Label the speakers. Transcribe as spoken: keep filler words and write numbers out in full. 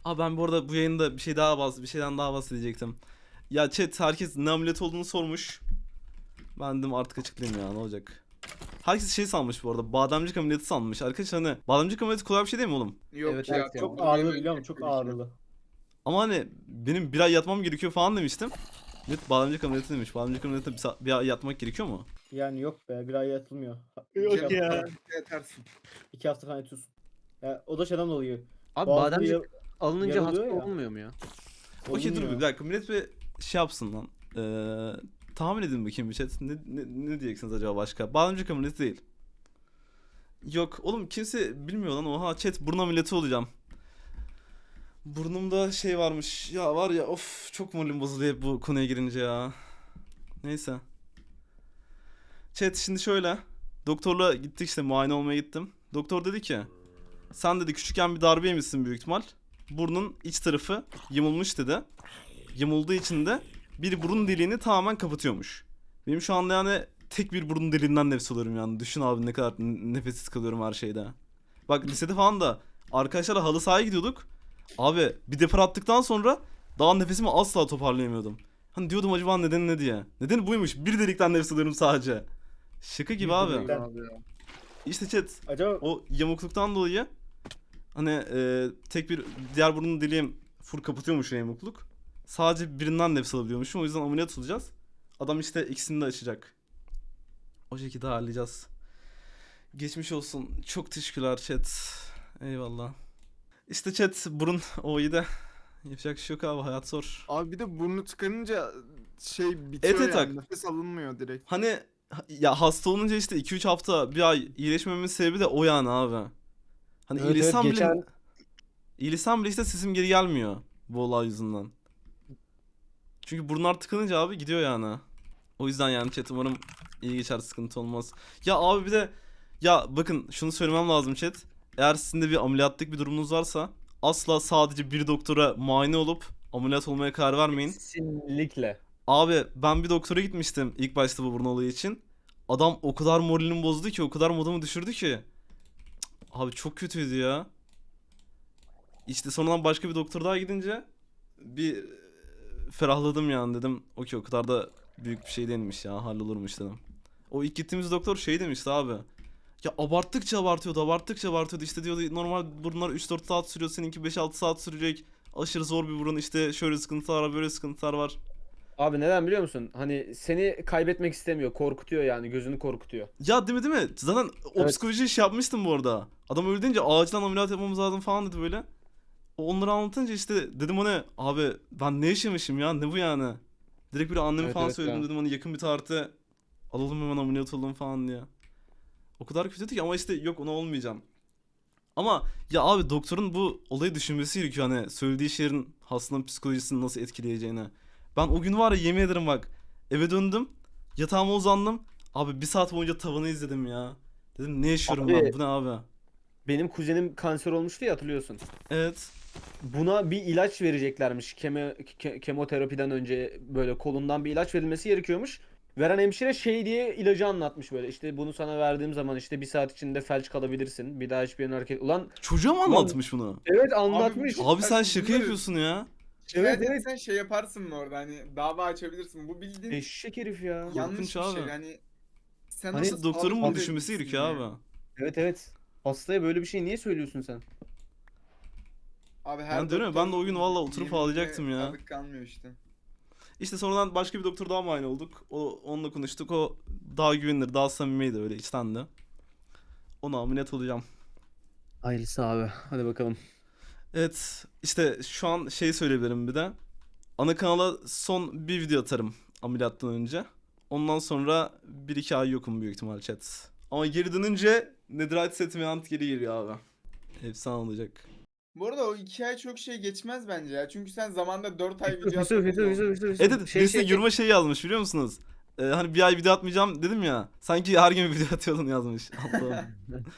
Speaker 1: Aa ben bu arada bu yayında bir şey daha bahs bir şeyden daha bahsedecektim. Ya chat herkes ne ameliyat olduğunu sormuş. Ben dedim artık açıklayayım ya ne olacak. Herkes şey sanmış bu arada. Bademcik ameliyatı sanmış. Arkadaşlar hani bademcik ameliyatı kolay bir şey değil mi oğlum?
Speaker 2: Yok
Speaker 3: Evet,
Speaker 2: ya
Speaker 3: evet ya.
Speaker 2: çok
Speaker 4: Çok ağrılı
Speaker 2: yemek
Speaker 4: biliyor musun? Çok
Speaker 2: gerekiyor.
Speaker 4: ağrılı.
Speaker 1: Ama hani benim bir ay yatmam gerekiyor falan demiştim. Evet bademcik ameliyatı demiş. Bademcik ameliyatı bir, sa- bir ay yatmak gerekiyor mu?
Speaker 4: Yani yok be, bir ay yatılmıyor.
Speaker 2: Yok
Speaker 4: İki hafta
Speaker 2: ya.
Speaker 4: falan-
Speaker 2: Yatarsın.
Speaker 4: İki hafta falan yatıyorsun. Ya, o da şeyden dolayı.
Speaker 3: Abi
Speaker 4: Boğazda
Speaker 3: bademcik
Speaker 4: ya-
Speaker 3: alınınca hasta
Speaker 4: yaralıyor ya.
Speaker 3: olmuyor mu ya?
Speaker 1: Okey dur bir
Speaker 4: olmuyor.
Speaker 1: dakika millet bir şey yapsın lan. Ee, tahmin edin bakayım bir chat. Ne, ne, ne diyeceksiniz acaba başka? Bademcik ameliyatı değil. Yok oğlum kimse bilmiyor lan. Oha chat burun ameliyatı olacağım. Burnumda şey varmış. Ya var ya of çok moralim bozuluyor hep bu konuya girince ya. Neyse. Chat şimdi şöyle. Doktorla gittik işte muayene olmaya gittim. Doktor dedi ki sen dedi küçükken bir darbe yemişsin büyük ihtimal. Burnun iç tarafı yamulmuş dedi. Yamulduğu için de bir burun deliğini tamamen kapatıyormuş. Benim şu anda yani tek bir burun deliğinden nefes alıyorum yani. Düşün abi ne kadar n- nefessiz kalıyorum her şeyde. Bak lisede falan da arkadaşlarla halı sahaya gidiyorduk. Abi bir depar attıktan sonra daha nefesimi asla toparlayamıyordum. Hani diyordum acaba nedeni ne diye. Nedeni buymuş. Bir delikten nefes alıyorum sadece. Şaka gibi
Speaker 4: Bir
Speaker 1: abi.
Speaker 4: delikten.
Speaker 2: Abi ya.
Speaker 1: İşte chat
Speaker 4: Acaba
Speaker 1: o yamukluktan dolayı hani e, tek bir diğer burnun deliğim full kapatıyormuş o yamukluk. Sadece birinden nefes alabiliyormuşum. O yüzden ameliyat olacağız. Adam işte ikisini de açacak. O şekilde halledeceğiz. Geçmiş olsun. Çok teşekkürler chat. Eyvallah. İşte chat burun o iyi de yapacak bir şey yok abi hayat zor.
Speaker 2: Abi bir de burnu tıkanınca şey bitiyor
Speaker 1: Evet, evet,
Speaker 2: yani.
Speaker 1: bak.
Speaker 2: Nefes alınmıyor direkt.
Speaker 1: Hani ya hasta olunca işte iki üç hafta bir ay iyileşmememin sebebi de o yani abi. Hani
Speaker 3: Evet, evet,
Speaker 1: iyileşsem bile
Speaker 3: geçen-
Speaker 1: iyileşsem bile işte sesim geri gelmiyor bu olay yüzünden. Çünkü burunlar tıkanınca abi gidiyor yani. O yüzden yani chat umarım iyi geçer sıkıntı olmaz. Ya abi bir de ya bakın şunu söylemem lazım chat. Eğer sizin de bir ameliyatlık bir durumunuz varsa asla sadece bir doktora muayene olup ameliyat olmaya karar vermeyin.
Speaker 3: Kesinlikle.
Speaker 1: Abi ben bir doktora gitmiştim ilk başta bu burun olayı için. Adam o kadar moralimi bozdu ki o kadar modumu düşürdü ki. Cık, abi çok kötüydü ya. İşte sonradan başka bir doktor daha gidince bir e, ferahladım yani dedim. Okey o kadar da büyük bir şey değilmiş ya hallolurmuş dedim. O ilk gittiğimiz doktor şey demişti abi. Ya abarttıkça abartıyordu abarttıkça abartıyordu işte diyordu normal burunlar üç dört saat sürüyor seninki beş altı saat sürecek. Aşırı zor bir burun işte şöyle sıkıntılar var böyle sıkıntılar var.
Speaker 3: Abi neden biliyor musun? Hani seni kaybetmek istemiyor. Korkutuyor yani. Gözünü korkutuyor.
Speaker 1: Ya değil mi değil mi? Zaten o
Speaker 3: Evet.
Speaker 1: psikoloji iş yapmıştım bu arada. Adam öyle deyince acilen ameliyat yapmamız lazım falan dedi böyle. O onları anlatınca işte dedim ona abi ben ne yaşamışım ya ne bu yani. Direkt bir anneme
Speaker 3: Evet,
Speaker 1: falan
Speaker 3: evet
Speaker 1: söyledim
Speaker 3: ya.
Speaker 1: dedim hani yakın bir tarihte alalım hemen ameliyat olalım falan diye. O kadar kötüydü ki ama işte yok ona olmayacağım. Ama ya abi doktorun bu olayı düşünmesi gerekiyor hani söylediği şeylerin hastanın psikolojisini nasıl etkileyeceğini. Ben o gün var ya yemin ederim bak eve döndüm yatağıma uzandım. Abi bir saat boyunca tavanı izledim ya. Dedim ne yaşıyorum
Speaker 3: Abi-
Speaker 1: ben bu ne abi.
Speaker 3: Benim kuzenim kanser olmuştu ya, hatırlıyorsun.
Speaker 1: Evet.
Speaker 3: Buna bir ilaç vereceklermiş. Keme, ke- kemoterapiden önce böyle kolundan bir ilaç verilmesi gerekiyormuş. Veren hemşire şey diye ilacı anlatmış böyle. İşte bunu sana verdiğim zaman işte bir saat içinde felç kalabilirsin. Bir daha hiçbir yerin hareket... Ulan
Speaker 1: Çocuğa mı
Speaker 3: Ulan-
Speaker 1: anlatmış bunu?
Speaker 3: evet anlatmış.
Speaker 2: çok-
Speaker 1: Abi sen
Speaker 2: Bunları-
Speaker 1: şaka yapıyorsun ya.
Speaker 2: Şikayet
Speaker 3: Evet, evet.
Speaker 2: etsen şey yaparsın mı orada hani dava açabilirsin. Bu bildiğin
Speaker 3: Eşek herif ya.
Speaker 1: Korkunç
Speaker 2: yanlış bir şey
Speaker 1: abi.
Speaker 2: yani. Sen
Speaker 3: Hani
Speaker 2: nasıl
Speaker 1: Doktorun
Speaker 2: sağlıklı
Speaker 1: bunu
Speaker 2: bir
Speaker 1: düşünmesi
Speaker 2: bireysin
Speaker 1: gerekiyor
Speaker 2: ya?
Speaker 1: abi.
Speaker 3: Evet, evet. Hastaya böyle bir şey niye söylüyorsun sen?
Speaker 2: Abi her
Speaker 1: Ben diyorum ya, ben de o gün valla oturup
Speaker 2: yeminine
Speaker 1: ağlayacaktım ya.
Speaker 2: sadık kalmıyor işte.
Speaker 1: İşte sonradan başka bir doktor daha muayene olduk. O, onunla konuştuk. O daha güvenilir, daha samimiydi öyle içten de. Ona ameliyat olacağım.
Speaker 3: Hayırlısı abi. Hadi bakalım.
Speaker 1: Evet işte şu an şey söyleyebilirim bir de. Ana kanala son bir video atarım ameliyattan önce. Ondan sonra bir iki ay yokum büyük ihtimal chat. Ama geri dönünce Netherite setime ant geri geliyor abi. Efsane olacak.
Speaker 2: Bu arada o iki ay çok şey geçmez bence ya. Çünkü sen zamanda dört ay video
Speaker 3: Yusuf,
Speaker 2: atmadın
Speaker 3: Yusuf,
Speaker 2: mı?
Speaker 3: Yusuf, Yusuf, Yusuf.
Speaker 1: Evet evet
Speaker 3: Şey,
Speaker 1: birisine
Speaker 3: şey,
Speaker 1: yoruma şey yazmış biliyor musunuz? Ee, hani bir ay video atmayacağım dedim ya. Sanki her gün video atıyordun yazmış. Allah'ım.